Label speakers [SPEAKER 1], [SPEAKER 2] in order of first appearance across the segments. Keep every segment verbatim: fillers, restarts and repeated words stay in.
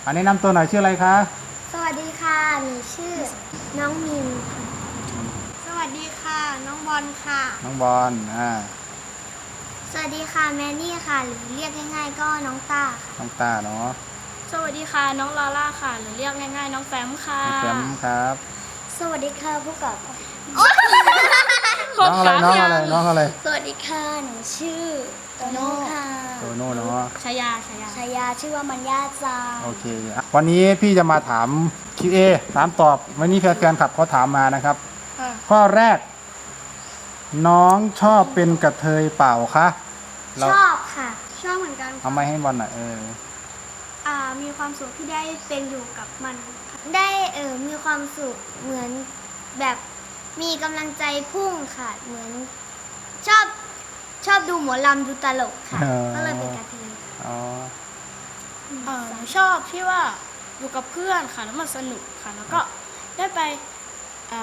[SPEAKER 1] อันนี้นำตัวหน่อยชื่ออะไรคะ
[SPEAKER 2] สวัสดีค่ะหนูชื่อน้องมินค่ะสวัสดีค่ะน้องบอลค่ะ
[SPEAKER 1] น้องบอลอ่า
[SPEAKER 2] สวัสดีค่ะแมนนี่ค่ะหรือเรียกง่ายๆก็น้องต้าค่ะ
[SPEAKER 1] น้องตาเนาะ
[SPEAKER 3] สวัสดีค่ะน้องลาล่าค่ะหรือเรียกง่ายๆน้องแฟมค่ะ
[SPEAKER 1] น้องแฟมครับ
[SPEAKER 2] สวัสดีค่ะพวกกับ
[SPEAKER 1] น้องอะไรน้องอะไรน้องอะไร
[SPEAKER 2] สวัสดีค่ะหนูชื่อโตโน่ค่ะ
[SPEAKER 1] โตโน่เนาะ
[SPEAKER 3] ชายาชายา
[SPEAKER 2] ชายาชื่อว่ามันยาจา
[SPEAKER 1] โอเควันนี้พี่จะมาถาม คิว เอ ถามตอบวันนี้แฟนๆขับเขาถามมานะครับข้อแรก น้องชอบเป็นกระเทยเปล่าคะ
[SPEAKER 2] ชอบค่ะชอบเหมือนกัน
[SPEAKER 1] เอาไม้ให้บอลหน่อยเออ
[SPEAKER 2] อ่ามีความสุขที่ได้เป็นอยู่กับมันได้เออมีความสุขเหมือนแบบมีกำลังใจพุ่งค่ะเหมือนชอบชอบดูหมอลำดูตลกค่ะก็เลยเป็นกระเทย
[SPEAKER 1] อ๋อ
[SPEAKER 3] เออชอบที่ว่าอยู่กับเพื่อนค่ะแล้วมันสนุกค่ะแล้วก็ได้ไปอ่า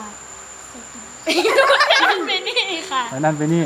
[SPEAKER 3] นั่นไปนี่ค่ะ
[SPEAKER 1] ไปนั่นไปนี่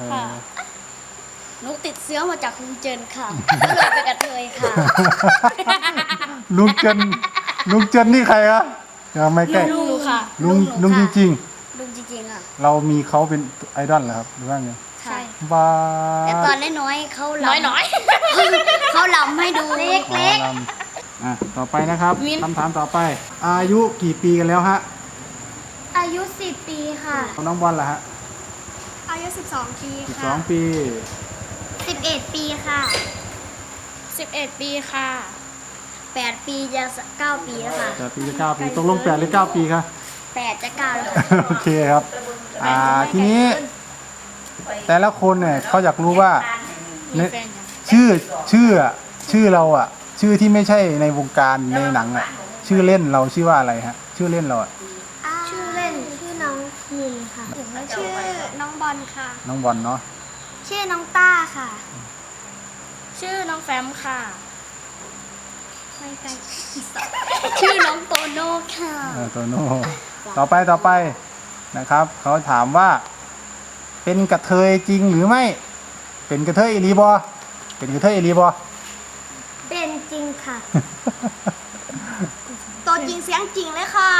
[SPEAKER 2] นุกติดเสื้อมาจากลุงเจนค่ะก็เลยเป็นกระเทยค่ะ
[SPEAKER 1] ลุงเจนลุงเจนนี่ใครอะยังไม่ใกล้
[SPEAKER 3] ลุงค่ะ
[SPEAKER 1] ลุงลุงจริง
[SPEAKER 2] ๆลุงจริงๆอ่ะ
[SPEAKER 1] เรามีเขาเป็นไอดอลเหรอครับหรือว่าไง
[SPEAKER 2] ใช่
[SPEAKER 1] บ้า
[SPEAKER 2] แต่ตอนน้อยๆเขาล
[SPEAKER 3] ำน้อย
[SPEAKER 2] ๆเขาลำให้ดูเล็ก
[SPEAKER 1] ๆอ่ะต่อไปนะครับคำถามต่อไปอายุกี่ปีกันแล้วฮะ
[SPEAKER 2] อายุสิบปีค่ะ
[SPEAKER 1] น้องบอลล่ะฮะ
[SPEAKER 2] อายุสิบสองปีค่ะ
[SPEAKER 1] สิบสองปี
[SPEAKER 2] สิบเอ็ดปีค่ะ
[SPEAKER 3] สิบเอ็ดปีค่ะ
[SPEAKER 2] แปดปีจะเก้าปีแล้วค่ะ
[SPEAKER 1] แปดปีจะเก้าปีตกลงแปดหรือเก้าปีคะ
[SPEAKER 2] แปดจะเก้าแล้ว
[SPEAKER 1] โอเคครับอ่าทีนี้แต่ละคนเนี่ยเขาอยากรู้ว่าชื่อชื่อชื่อเราอ่ะชื่อที่ไม่ใช่ในวงการในหนังอ่ะชื่อเล่นเราชื่อว่าอะไรฮะชื่อเล่นเราอ่ะ
[SPEAKER 2] ชื่อเล่นชื่อน้องมินค่ะชื่อน้องบอลค่ะ
[SPEAKER 1] น้องบอลเนาะ
[SPEAKER 2] ชื่อน้องต้าค่ะ
[SPEAKER 3] ชื่อน้องแฟมค่ะ
[SPEAKER 2] ไม่ใช่ชื่อน้องโตโน่ค่ะ
[SPEAKER 1] โตโน่ต่อไปต่อไปนะครับเขาถามว่าเป็นกระเทยจริงหรือไม่เป็นกระเทยอีลีบอเป็นกระเทยอีลีบอ
[SPEAKER 2] เป็นจริงค่ะตัวจริงเสียงจริงเลยค่ะ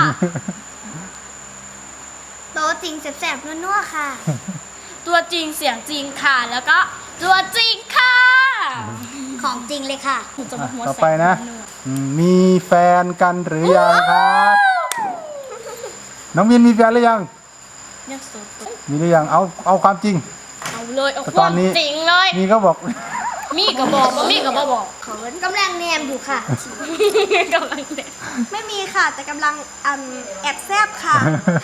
[SPEAKER 2] ตัวจริงแสบๆนัวๆค่ะ
[SPEAKER 3] ตัวจริงเสียงจริงค่ะแล้วก็ตัวจริงค่ะ
[SPEAKER 2] ของจริงเลยค่ะ
[SPEAKER 1] ต่อไปนะมีแฟนกันหรือยังครับน้องมินมีแฟนหรือยังมีหรือยังเอาเอาความจริง
[SPEAKER 3] เอาเลยเอาความจริงเลย
[SPEAKER 1] มีก็บอก
[SPEAKER 3] มีก็บอกว่ามีก็บอก
[SPEAKER 2] เขากำลังแนมอยู่ค่ะ
[SPEAKER 3] กำลังแนม
[SPEAKER 2] ไม่มีค่ะแต่กำลังแอบแซบค่ะ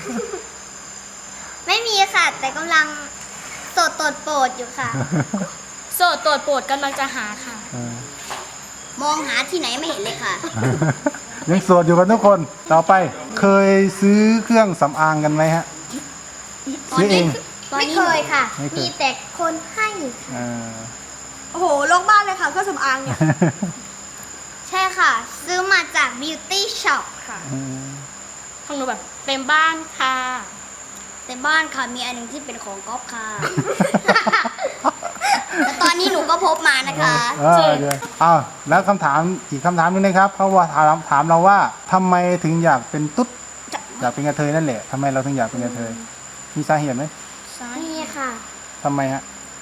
[SPEAKER 2] ไม่มีค่ะแต่กำลังโสดโตดโปรดอยู่ค่ะ
[SPEAKER 3] โสดโตดโปรดกำลังจะหาค่ะ
[SPEAKER 2] มองหาที่ไหนไม่เห็นเลยค่ะ
[SPEAKER 1] ยังโสดอยู่กันทุกคนต่อไปเคยซื้อเครื่องสำอางกันไหมฮะซื้อเอง
[SPEAKER 2] ไม่เคยค่ะมีแต่คนให้โอ้โหโลกบ้านเลยค่ะเครื่องสำอางเนี่ยใช่ค่ะซื้อมาจาก Beauty Shop ค่ะ
[SPEAKER 3] ของหนูแบบเต็มบ้านค่ะ
[SPEAKER 2] เต็มบ้านค่ะมีอันหนึ่งที่เป็นของก๊อฟค่ะแต่ตอนนี้หนูก็พบมานะคะ
[SPEAKER 1] เอออ้าวแล้วคำถามอีกคำถามนึงนะครับเขาว่าถามถามเราว่าทำไมถึงอยากเป็นตุ๊ดอยากเป็นกระเทยนั่นแหละทำไมเราถึงอยากเป็นกระเทยมีสาเหตุไหม
[SPEAKER 2] มีค่ะ
[SPEAKER 1] ทำไมฮะ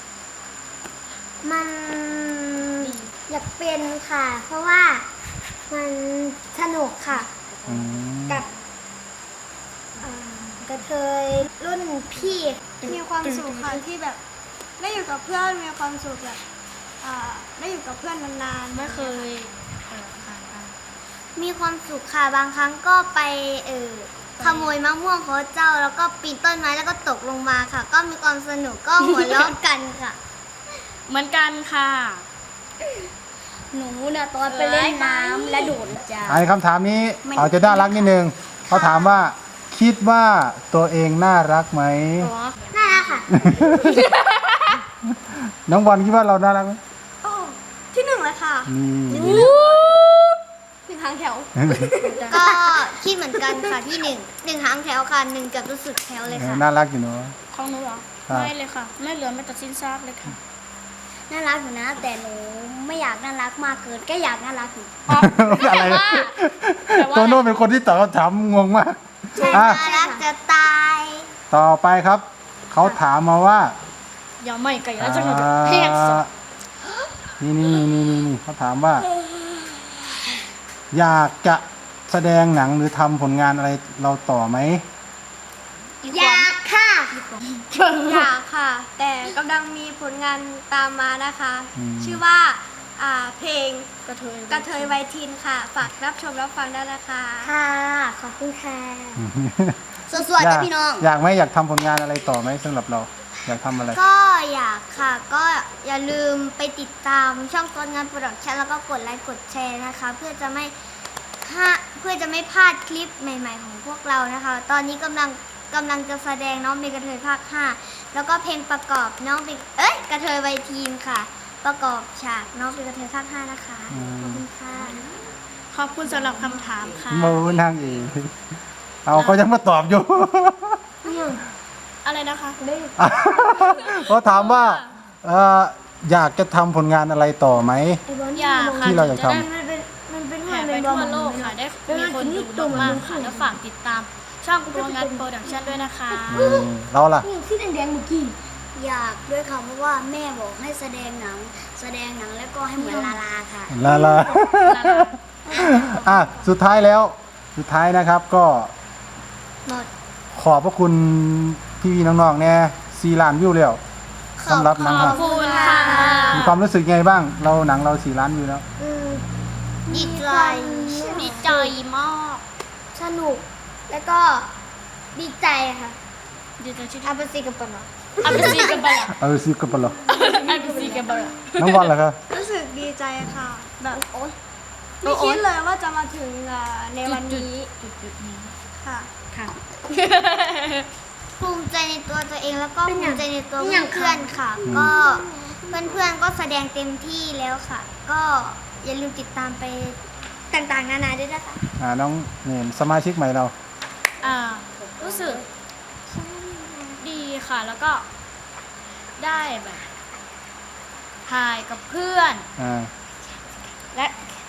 [SPEAKER 2] มันอยากเป็นค่ะ เพราะว่ามันสนุกค่ะกับกระเทยรุ่นพี่มีความสุขค่ะที่แบบได้อยู่กับเพื่อนมีความสุขแบบได้อยู่กับเพื่อนนานๆ
[SPEAKER 3] ไม่เคย
[SPEAKER 2] มีความสุขค่ะบางครั้งก็ไปเออขโมยมะม่วงเขาเจ้าแล้วก็ปีนต้นไม้แล้วก็ตกลงมาค่ะก็มีความสนุกก็หัวเราะกันค่ะ
[SPEAKER 3] เหมือนกันค่ะ
[SPEAKER 2] หนูเนี่ยตอนไปเล่นน้ำและโดดจ้า
[SPEAKER 1] ไอ้คำถามนี้เอาจะน่ารักนิดนึงเขาถามว่าคิดว่าตัวเองน่ารักไหม
[SPEAKER 2] น่ารักค่ะ
[SPEAKER 1] น้องบอลคิดว่าเราน่ารักไหม
[SPEAKER 2] ที่หนึ่งเลยค่ะ
[SPEAKER 1] นี่
[SPEAKER 2] หนึ่งหางแถวก็คิดเหมือนกันค่ะที่หนึ่งหนึ่งหางแถวค่ะหนึ่งกับรู้สึกแถวเลยค่ะ
[SPEAKER 1] น่ารักอยู่เนาะ
[SPEAKER 3] ของหนูเหรอไม่เลยค่ะไม่เหลือแม้แต่ชิ้นซากเลยค่ะ
[SPEAKER 2] น่ารักอยู่นะ แต่หนูไม่อยากน่ารักมากเกินก็อยากน่ารักอยู่
[SPEAKER 1] อะไร
[SPEAKER 3] แต่ว่า
[SPEAKER 1] โตโน่เป็นคนที่ตอบคำถามงงมาก
[SPEAKER 2] ใช่
[SPEAKER 1] อ่ะ
[SPEAKER 2] น่ารักจะตาย
[SPEAKER 1] ต่อไปครับ เขาถามมาว่า
[SPEAKER 3] อย่าไม่ไก่แล้วจะ
[SPEAKER 1] อ่า
[SPEAKER 3] แห้งสด
[SPEAKER 1] นี่นี่นี่นี่นี่เขาถามว่า อยากจะแสดงหนังหรือทำผลงานอะไรเราต่อไหม
[SPEAKER 2] อยากค่ะอยากค่ะ แต่กำลังมีผลงานตามมานะคะ
[SPEAKER 1] อืม
[SPEAKER 2] ชื่อว่าอ่าเพลง
[SPEAKER 3] กระเทย
[SPEAKER 2] กระเทยไวทินค่ะ ฝากรับชมรับฟังได้นะคะ ค่ะ ขอบคุณค่ะ สวัส
[SPEAKER 1] อ
[SPEAKER 2] ดี
[SPEAKER 1] ยาก
[SPEAKER 2] พี่น้อง
[SPEAKER 1] อยากไหมอยากทำผลงานอะไรต่อไหมสำหรับเรา อยากทำอะไร
[SPEAKER 2] ก็อยากค่ะ ก็อย่าลืมไปติดตามช่องต้นงานโปรดักชั่นแล้วก็กดไลค์กดแชร์นะคะ เพื่อจะไม่พลาดเพื่อจะไม่พลาดคลิปใหม่ ๆ ของพวกเรานะคะ ตอนนี้กำลังกำลังจะแสดงน้องเป็นกระเทยภาคห้าแล้วก็เพลงประกอบน้องเป็นเอ้ยกระเทยไวทีมค่ะ ประกอบฉากน้องเป็นกระเทยภาคห้านะคะ
[SPEAKER 1] อืม
[SPEAKER 2] ขอบคุณค่ะ
[SPEAKER 3] ขอบคุณสำหรับคำถามค่ะ
[SPEAKER 1] โมนางเอกเอาก็ยังมาตอบอยู่
[SPEAKER 3] อะไรนะคะ
[SPEAKER 1] เขาถามว่าเอ่ออยากจะทำผลงานอะไรต่อไหม
[SPEAKER 3] อยากค่ะ
[SPEAKER 1] ที่เราอยากทำ
[SPEAKER 3] จะได้แผ่ไปทั่วโลกค่ะ ได้มีคนดูมากๆค่ะ แล้วฝากติดตามช่องโรงงานโปรดักชั่นด้วยนะคะ
[SPEAKER 1] อืมเราล่ะ
[SPEAKER 2] ที่แดงๆเมื่อกี้อยากด้วยค่ะเพราะว่าแม่บอกให้แสดงหนัง แสดงหนังแล้วก็ให้เหมือนลาลาค่ะ
[SPEAKER 1] ลาลา อ่ะสุดท้ายแล้ว สุดท้ายนะครับก็
[SPEAKER 2] หมด
[SPEAKER 1] ขอบพระคุณพี่ๆน้องๆเนี่ยซีล้านวิวแล้วสำหรับหนัง
[SPEAKER 3] ข
[SPEAKER 1] ค
[SPEAKER 3] อ
[SPEAKER 1] รั
[SPEAKER 3] บบ คุณค่ะ
[SPEAKER 1] มีความรู้สึกไงบ้าง เราหนังเราสี่ล้านวิวแล้ว
[SPEAKER 2] อืมดีใจ
[SPEAKER 3] ดีใจมาก
[SPEAKER 2] สนุก แล้วก็ดีใจค่ะ
[SPEAKER 3] ดีใจที่
[SPEAKER 2] อาเปซีกับปะเนาะ
[SPEAKER 3] อัปซีกันไปละ
[SPEAKER 1] เอาซิกับปะเหรอ
[SPEAKER 3] อัปซีกันไปละ
[SPEAKER 1] น้องบอลเหรอครับ
[SPEAKER 2] รู้สึกดีใจค่ะ แบบโอ๊ยไม่คิดเลยว่าจะมาถึงอ่าในวันนี้
[SPEAKER 3] จุดๆนี้
[SPEAKER 2] ค่ะ
[SPEAKER 3] ค่ะ
[SPEAKER 2] ภูมิใจในตัวตัวเองแล้วก็ภูมิใจในตัวเพื่อนๆค่ะ ก็เพื่อนๆก็แสดงเต็มที่แล้วค่ะ ก็อย่าลืมติดตามไปต่างๆนานาด้วยนะคะ
[SPEAKER 1] อ่าน้องเนี่ยสมาชิกใหม่เรา
[SPEAKER 3] อ่า รู้สึกดีค่ะ แล้วก็ได้แบบถ่ายกับเพื่อน
[SPEAKER 1] อ่า
[SPEAKER 3] และ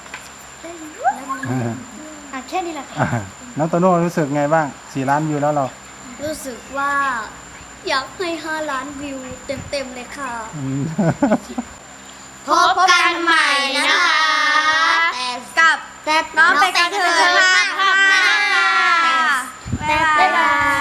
[SPEAKER 3] อ่ะแค่นี้แหละค่ะ
[SPEAKER 1] อ่าน้องโตโน่รู้สึกไงบ้างสี่ล้านวิวแล้วเรา
[SPEAKER 2] รู้สึกว่าอยากให้ห้าล้านวิวเต็มๆเลยค่ะ
[SPEAKER 1] อืม
[SPEAKER 2] พบกันใหม่นะคะ กับน้องเป็นกระเทยภาคห้าบ๊ายบาย